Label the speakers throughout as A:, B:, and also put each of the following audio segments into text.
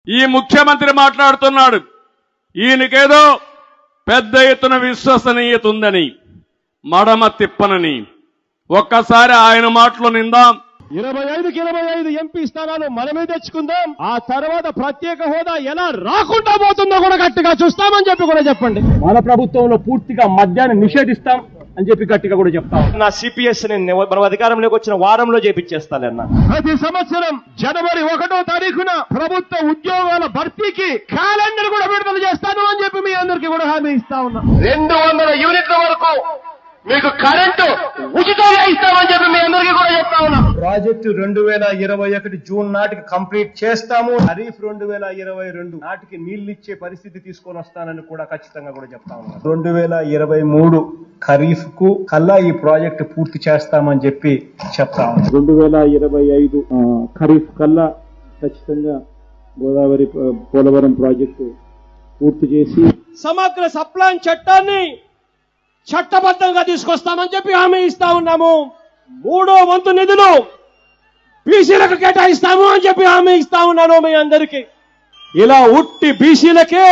A: ఈ ముఖ్యమంత్రి మాట్లాడుతున్నాడు, ఈయనకేదో పెద్ద ఎత్తున విశ్వసనీయత ఉందని, మడమ తిప్పనని. ఒక్కసారి ఆయన మాటలు నిందాం.
B: 25కి 25 ఎంపీ స్థానాలు మనమే తెచ్చుకుందాం. ఆ తర్వాత ప్రత్యేక హోదా ఎలా రాకుండా పోతుందో కూడా గట్టిగా చూస్తామని చెప్పి కూడా చెప్పండి. మన ప్రభుత్వంలో పూర్తిగా మద్యాన్ని నిషేధిస్తాం అని చెప్పి గట్టిగా కూడా చెప్తాం. నా సిపిఎస్ మనం అధికారంలోకి వచ్చిన వారంలో చేపించేస్తానన్నా. ప్రతి సంవత్సరం జనవరి 1వ తారీఖున ప్రభుత్వ ఉద్యోగాల భర్తీకి క్యాలెండర్ కూడా విడుదల చేస్తాను అని చెప్పి మీ అందరికీ కూడా హామీ ఇస్తా ఉన్నా. 200 యూనిట్ల వరకు మీకు కరెంటు ఉచితంగా ఇస్తామని చెప్పి మీ అందరికీ కూడా చెప్తా ఉన్నా. ప్రాజెక్టు 2021 జూన్ నాటికి కంప్లీట్ చేస్తాము. ఖరీఫ్ 2022 నాటికి నీళ్లిచ్చే పరిస్థితి తీసుకొని వస్తానని కూడా ఖచ్చితంగా కూడా చెప్తా ఉన్నా. 2023 ఖరీఫ్ కు కల్లా ఈ ప్రాజెక్టు పూర్తి చేస్తామని చెప్పి చెప్తా ఉన్నా. 2025 ఖరీఫ్ కల్లా ఖచ్చితంగా గోదావరి పోలవరం ప్రాజెక్టు పూర్తి చేసి సమగ్ర సప్లాన్ చట్టాన్ని చట్టబద్ధంగా తీసుకొస్తామని చెప్పి హామీ ఇస్తా ఉన్నాము. 3వ వంతు నిధులు బీసీలకు కేటాయిస్తాము అని చెప్పి హామీ ఇస్తా ఉన్నాను మీ అందరికీ. ఇలా ఉట్టి బీసీలకే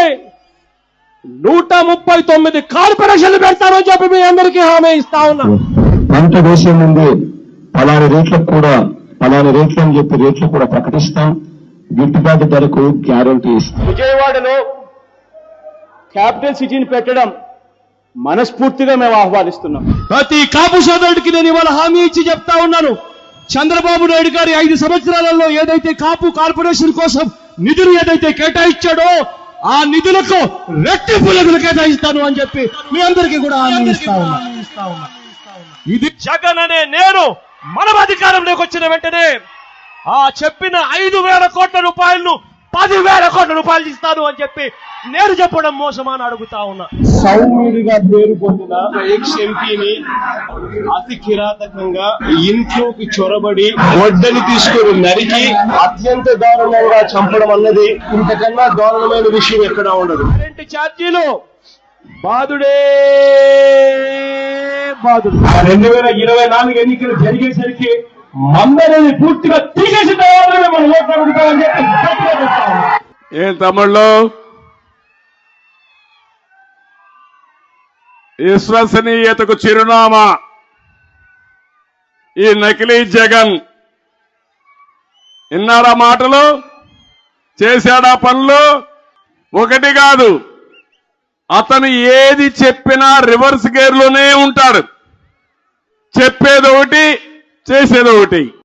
B: 139 కార్పొరేషన్లు పెడతామని చెప్పి మీ అందరికీ హామీ ఇస్తా ఉన్నాను.
C: పంట వేసే ముందు పలాని రేట్లకు కూడా పలాని రేట్లు అని చెప్పి రేట్లు కూడా ప్రకటిస్తాం. గిట్టుబాటు ధరకు గ్యారంటీ ఇస్తాం.
B: విజయవాడలో క్యాపిటల్ సిటీని పెట్టడం మనస్ఫూర్తిగా మేము ఆహ్వానిస్తున్నాం. ప్రతి కాపు సోదరుడికి నేను ఇవాళ హామీ ఇచ్చి చెప్తా ఉన్నాను. చంద్రబాబు నాయుడు గారి 5 సంవత్సరాలలో ఏదైతే కాపు కార్పొరేషన్ కోసం నిధులు ఏదైతే కేటాయించాడో ఆ నిధులకు రెట్టింపు నిధులు కేటాయిస్తాను అని చెప్పి మీ అందరికీ కూడా హామీ ఇస్తా ఉన్నా. ఇది జగన్ అనే నేను మనం అధికారంలోకి వచ్చిన వెంటనే ఆ చెప్పిన 5,000 కోట్ల రూపాయలను 10,000 కోట్ల రూపాయలు ఇస్తాను అని చెప్పి నేను చెప్పడం మోసమని అడుగుతా ఉన్నా. సౌమ్యుడిగా పేరు పొందిన ఎక్స్ ఎంపీని అతి కిరాతకంగా ఇంట్లోకి చొరబడి వడ్డని తీసుకుని నరికి అత్యంత దారుణంగా చంపడం అన్నది ఇంతకన్నా దారుణమైన విషయం ఎక్కడా ఉండదు. కరెంటు ఛార్జీలు బాధుడే బాధుడు. 2024 ఎన్నికలు జరిగేసరికి మందరిని పూర్తిగా తీసేసి మనం ఓట్లాడుతామని చెప్పి
A: ఏం తమ్ముళ్ళు, విశ్వసనీయతకు చిరునామా ఈ నకిలీ జగన్. విన్నారా మాటలు? చేశాడా పనులు? ఒకటి కాదు, అతను ఏది చెప్పినా రివర్స్ గేర్లోనే ఉంటాడు. చెప్పేదొకటి, చేసేదొకటి.